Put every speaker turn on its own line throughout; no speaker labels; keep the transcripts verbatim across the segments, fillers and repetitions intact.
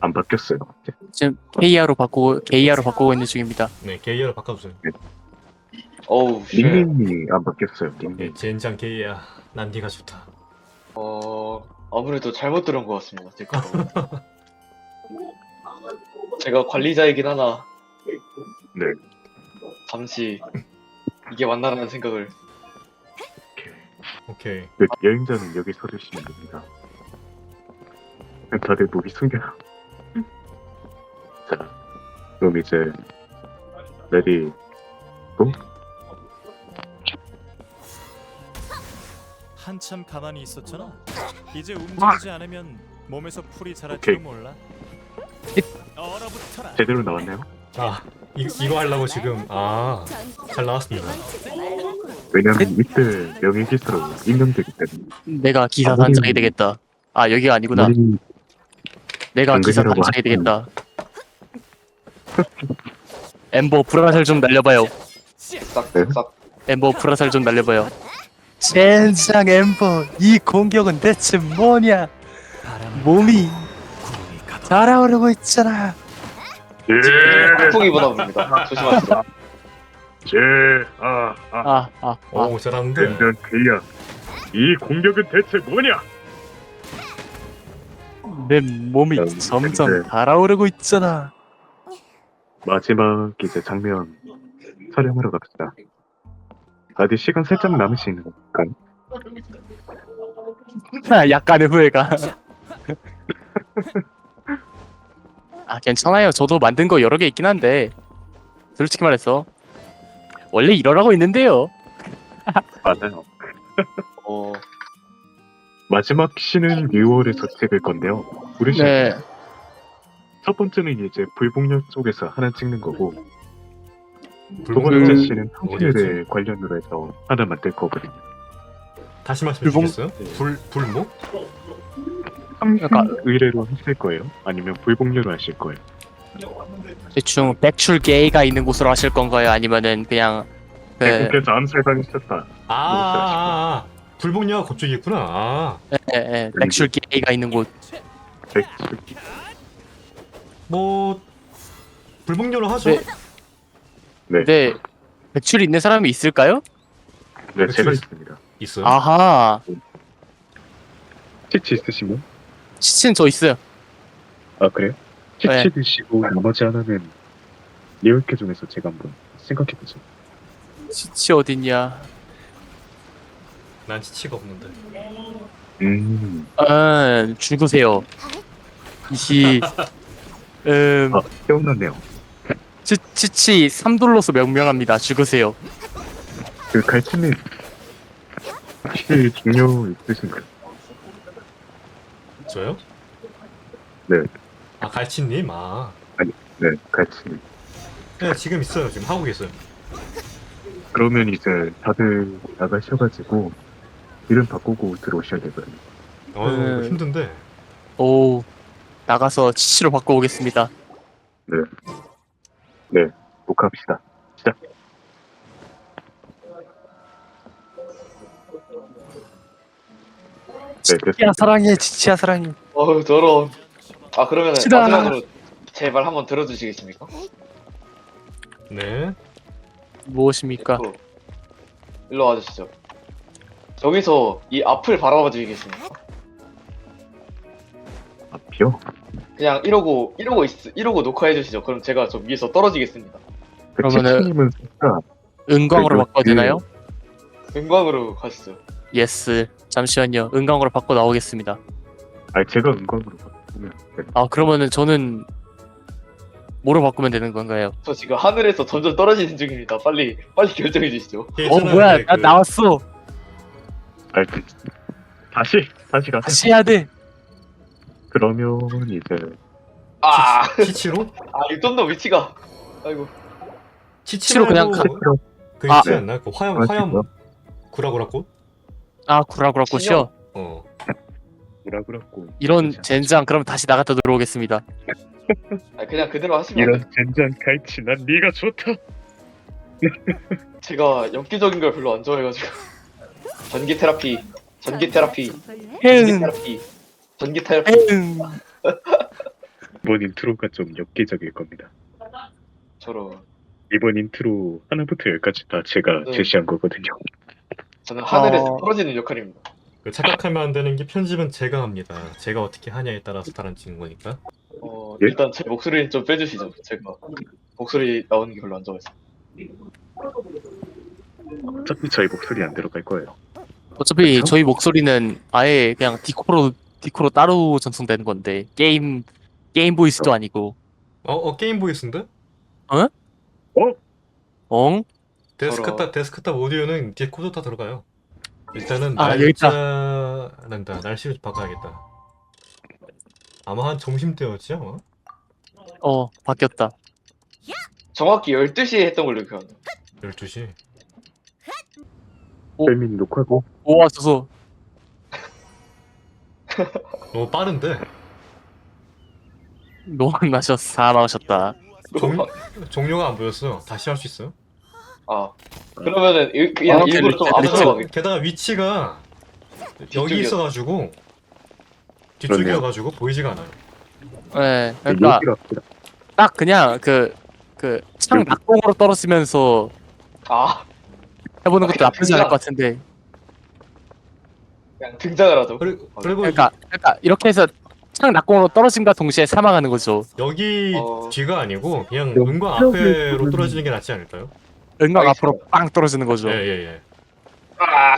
안 바뀌었어요.
지금 케이아로 바꾸고 케이아로 바꾸고 있는 중입니다.
네, 게이어로 바꿔주세요.
어우 쉣.
닉네임이 안 바뀌었어요.
네,
닉네임.
젠장 게이야. 난 네가 좋다.
어 아무래도 잘못 들은 것 같습니다. 제 거. 제가 관리자이긴 하나
네.
잠시 이게 맞나라는 생각을.
오케이.
그 여행자는 여기 서주시면 됩니다. 다들 목이 숨겨요. 자, 그럼 이제 레디 고?
한참 가만히 있었잖아. 이제 움직이지 않으면 몸에서 풀이 자랄지도
오케이.
몰라. 얼어붙어라.
제대로 나왔나요?
아, 이, 이거 하려고 지금 아, 잘 나왔습니다.
왜냐면 이때 명예기사로 임명되기 때문에.
내가 기사
아무리-
단장이 되겠다. 아 여기가 아니구나.
우리
내가 기사
당근이라고
단장이
하시면-
되겠다. 엠버 불화살 좀 날려봐요.
싹싹.
엠버 불화살 좀 날려봐요. 젠장 엠버 이 공격은 대체 뭐냐? 몸이 달아오르고 있잖아.
예,
폭풍이 보나 봅니다. 조심하시죠.
제, 아, 아,
아 아 아.
오, 잘하는데.
든든 그야. 이 공격은 대체 뭐냐?
내 몸이
음,
점점
근데-
달아오르고 있잖아.
마지막 이제 장면 촬영하러 갑시다. 아직 시간 살짝 남으시는 건가요?
아, 약간의 후회가. 아 괜찮아요. 저도 만든 거 여러 개 있긴 한데 솔직히 말해서 원래 이러라고 있는데요.
맞아요.
어
마지막 씬은 뉴월에서 찍을 건데요. 부르시면
네.
첫 번째는 이제 불복력 쪽에서 하나 찍는 거고 두
불복-
번째
음,
씬은 통신에 관련으로 해서 하나 만들 거거든요.
다시 말씀해
불복-
주시겠어요? 불 불목?
약간-
의뢰로 하실 거예요? 아니면 불복료로 하실 거예요?
대충 백출 게이가 있는 곳으로 하실 건가요? 아니면은 그냥 그
대국에서 암살당했었다.
아, 아, 아, 아. 불복녀가 그쪽에 있구나. 아,
예, 예, 백출 게이가 있는 곳.
백출.
뭐 불복녀로 하죠.
네.
네,
근데 백출이 있는 사람이 있을까요?
네, 제가
백출.
있습니다.
있어요.
아하.
치치 있으시면?
치친 저 있어요.
아 그래요? 치치
네.
드시고 나머지 하나는 리얼캐 중에서 제가 한번 생각해보죠.
치치 어딨냐?
난 치치가 없는데.
음,
음, 죽으세요. 이시 음
아 깨어났네요.
치, 치치 삼 돌로서 명명합니다. 죽으세요.
그 갈치님 혹시 중요 있으신가요?
저요?
네.
아, 갈치님. 아,
네, 갈치님.
네, 지금 있어요. 지금 하고 계세요.
그러면 이제 다들 나가셔가지고 이름 바꾸고 들어오셔야 되거든요.
어, 이거
음.
힘든데.
오 나가서 치치로 바꿔오겠습니다.
네, 녹화합시다. 시작. 네,
치치야
됐습니다.
사랑해. 치치야 사랑해.
어우 더러운. 아 그러면
싫어.
마지막으로 제 말 한번 들어주시겠습니까?
네.
무엇입니까?
어. 일로 와주시죠. 저기서 이 앞을 바라봐 주시겠습니까?
앞이요?
그냥 이러고 이러고 있 이러고 녹화해 주시죠. 그럼 제가 저 위에서 떨어지겠습니다.
그
그러면은-
치치님은 진짜
은광으로
그래도
바꿔야
그-
되나요?
은광으로 가시죠.
예스. 잠시만요. 은광으로 바꿔 나오겠습니다.
아니 제가 은광으로 바꾸면 네.
아 그러면은 저는 뭐로 바꾸면 되는 건가요?
저 지금 하늘에서 점점 떨어지는 중입니다. 빨리 빨리 결정해 주시죠.
어
예전에
뭐야?
그-
나 나왔어.
아니, 그- 다시 다시 가세요.
다시 해야 돼.
그러면 이제
아,
치치로?
아 이거 좀 더 위치가. 아이고.
치치
치치로 그냥
말고
치치로
그
아.
있지 않나? 그 화염 화염
하시고요.
구라구라꽃?
아 구라구라꽃이요.
어.
뭐라 그랬고
이런 젠장. 그럼 다시 나갔다 들어오겠습니다.
아 그냥 그대로 하시면 안
이런
돼요.
젠장 갈치 난 네가 좋다.
제가 엽기적인 걸 별로 안 좋아해가지고. 전기 테라피, 전기 테라피, 전기
응.
테라피, 전기 테라피.
응.
이번 인트로가 좀 엽기적일 겁니다.
저로
이번 인트로 하나부터 열까지 다 제가
네.
제시한 거거든요.
저는 하늘에서
어.
떨어지는 역할입니다.
그 착각하면 안 되는 게 편집은 제가 합니다. 제가 어떻게 하냐에 따라서 달라지는 거니까.
어,
예?
일단 제 목소리는 좀 빼주시죠. 제가 목소리 나오는 게 별로 안 좋아해서.
어차피 저희 목소리 안 들어갈 거예요.
어차피
그쵸?
저희 목소리는 아예 그냥 디코로 디코로 따로 전송되는 건데 게임 게임 보이스도 아니고
어, 어 게임 보이스인데?
엉?
데스크탑 데스크탑 오디오는 뒤에 코드 다 들어가요. 일단은
아, 여기 있다.
날짜란다. 날씨를 좀 바꿔야겠다. 아마 한 점심 때였지 아마.
어 바뀌었다.
정확히 열두 시에 했던 걸로 기억합니다.
열두 시.
오.
셀민 녹화고
모아줘서
너무 빠른데.
노안나셨 사망하셨다.
종, 종료가 안 보였어. 다시 할 수 있어요?
아 그러면은 일, 그냥
어,
일부러 좀
델리트,
앞으로
게다가,
가게.
게다가 위치가 여기
뒤쪽이었-
있어가지고
그러네요.
뒤쪽이어가지고 보이지가 않아요.
네, 그러니까
여기로 합시다.
딱 그냥 그 그 창
여기.
낙공으로 떨어지면서
아
해보는 것도
아,
나쁘지 않을
그냥-
것 같은데.
그냥 등장을 하죠.
그리고, 그리고
그러니까 그러니까 이렇게 해서 창 낙공으로 떨어짐과 동시에 사망하는 거죠.
여기
어.
뒤가 아니고 그냥
여기
은광
여기
앞에로
보면-
떨어지는 게 낫지 않을까요?
은광
알겠습니다.
앞으로 빵 떨어지는 거죠.
예예 예.
아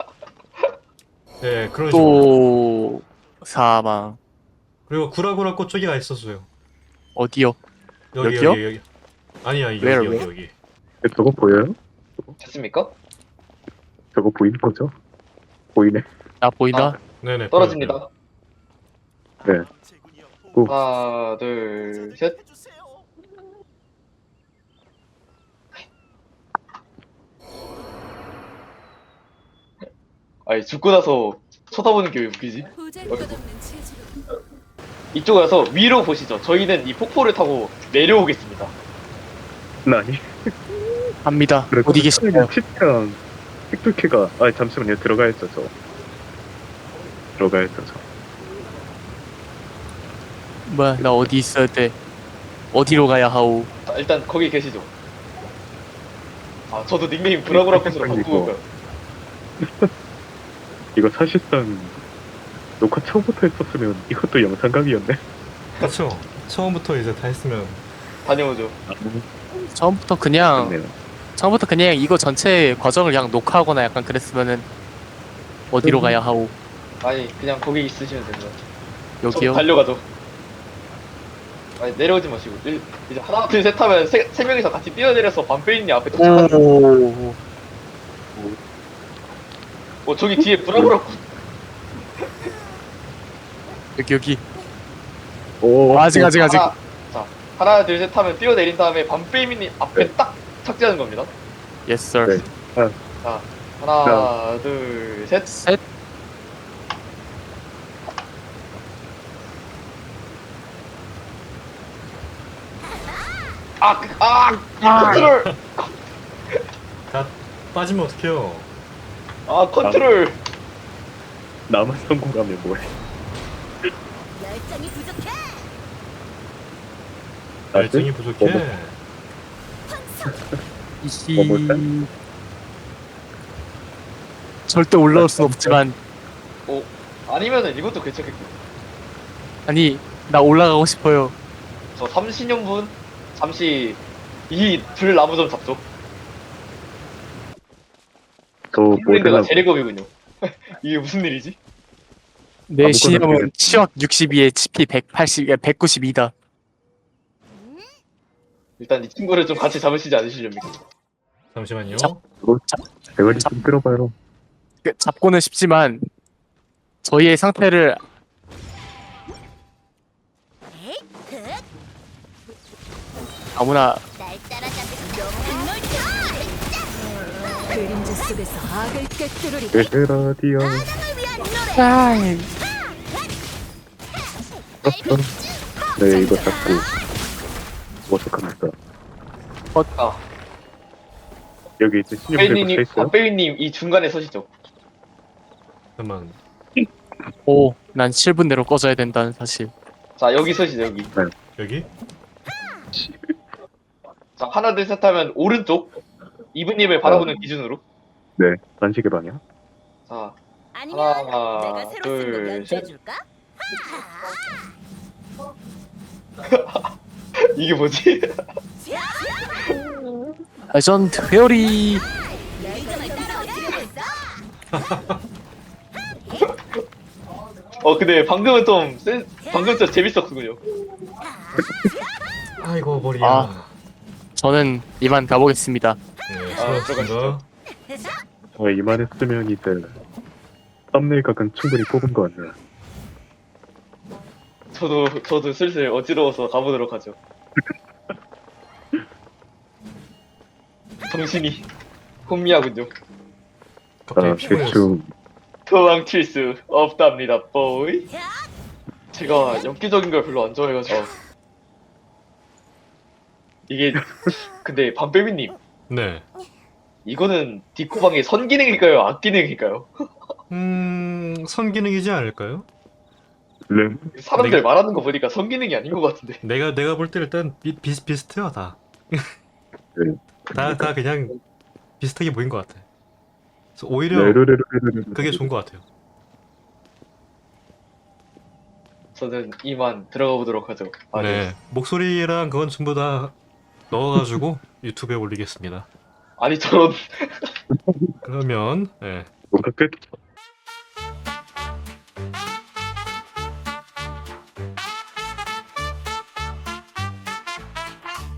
예, 그런 식으로.
또 사망
그리고 구라구라 꽃쪽이가 있었어요.
어디요?
여기
여기요?
여기 여기. 아니 아니 여기
Where,
여기
where?
여기.
저거 보여요?
됐습니까?
저거 보이는 거죠? 보이네.
나 보이나?
네네.
떨어집니다.
네. 오.
하나 둘 셋. 아니 죽고 나서 쳐다보는 게 왜 웃기지? 이쪽에 와서 위로 보시죠. 저희는 이 폭포를 타고 내려오겠습니다.
나니.
갑니다.
그래,
어디 계시나요?
치트랑 틱토키가 아 잠시만요 들어가야죠 저. 들어가야죠 저.
뭐야 나 어디 있어야 돼? 어디로 가야 하오?
자, 일단 거기 계시죠. 아 저도 닉네임 브라브라 컷으로
이거.
바꾸고요.
이거 사실상 녹화 처음부터 했었으면 이것도 영상각이었네.
그렇죠. 처음부터 이제 다 했으면
다녀오죠.
처음부터 그냥
네요.
처음부터 그냥 이거 전체 과정을 그냥 녹화하거나 약간 그랬으면은 어디로 가야 하오?
아니 그냥 거기 있으시면 됩니다.
여기요?
저 달려가죠. 아니 내려오지 마시고 일, 이제 하나 둘 셋 하면 세, 세 명이서 같이 뛰어내려서 반페인님 앞에 도착하는.
오.
어 저기 뒤에 브라브라 컷.
여기 여기.
오
아직 아직 아직.
하나, 자 하나 둘 셋 하면 뛰어내린 다음에 반페인님 앞에
네.
딱 착지하는 겁니다.
Yes sir.
네.
자 하나 둘 셋.
셋.
아, 그- 아, 컨트롤.
다 빠지면 어떡해요?
아 컨트롤.
나만 성공하면 뭐해?
열정이 부족해.
열정이 부족해.
어머.
이히.
뭘까?
절대 올라올 순 없지만
어 아니면은 이것도 괜찮겠고.
아니 나 올라가고 싶어요.
저 삼신용분 잠시 이 둘 나무 좀 잡죠.
저
핑크인데가
모델하고
제레검이군요. 이게 무슨 일이지?
내
아무거나
신념은
그냥-
치역 육십이에 치피 백팔십, 백구십이다.
일단 이 친구를 좀 같이 잡으시지 않으시렵니까?
잠시만요.
자.
대가리 좀 끌어봐요.
그, 잡고는 싶지만 저희의 상태를
에이, 그,
아무나
날 따라잡을 널 그림자 속에서 악을 꿰뚫으리.
에헤라디오.
사랑을 위한 노래.
네 이거 잡고 어떡합니까?
아,
여기 이제 신용 들고
빼이님,
차 있어요?
아, 빼이님 이 중간에 서시죠.
잠깐만.
오, 난 칠 분 내로 꺼져야 된다는 사실.
자 여기 서시죠 여기.
여기?
자 하나 둘 셋 하면 오른쪽 이브님을 바라보는 기준으로.
네, 단식의 방향.
자
아니면
하나,
내가 새로 쓴 거
둘,
연주해줄까?
이게 뭐지?
레전드 페어리.
리듬을 따라오지겠어?
어 근데 방금은 좀 센, 방금 좀 재밌었군요.
아이고 머리야.
아. 저는 이만 가보겠습니다.
네,
아,
수고하셨습니다.
어, 이만했으면 이제 썸네일 각은 충분히 뽑은 것 같네요.
저도 저도 슬슬 어지러워서 가보도록 하죠. 정신이 혼미하군요.
아,
갑자기 피곤해졌어.
대충
도망칠 수 없답니다, 보이. 제가 엽기적인 걸 별로 안 좋아해가지고 이게 근데 밤배비님
네.
이거는 디코방의 선기능일까요, 악기능일까요?
음, 선기능이지 않을까요?
램
사람들
내가-
말하는 거 보니까 선기능이 아닌 것 같은데.
내가 내가 볼 때 일단 비, 비슷비슷해요 다.
네.
다 다 그냥 비슷하게 보인 것 같아. 그래서 오히려
레르르르르르
그게 좋은 것 같아요.
저는 이만 들어가 보도록 하죠. 아,
네, 목소리랑 그건 전부 다 넣어가지고 유튜브에 올리겠습니다.
아니 저런
그러면 네,
뭔가 끝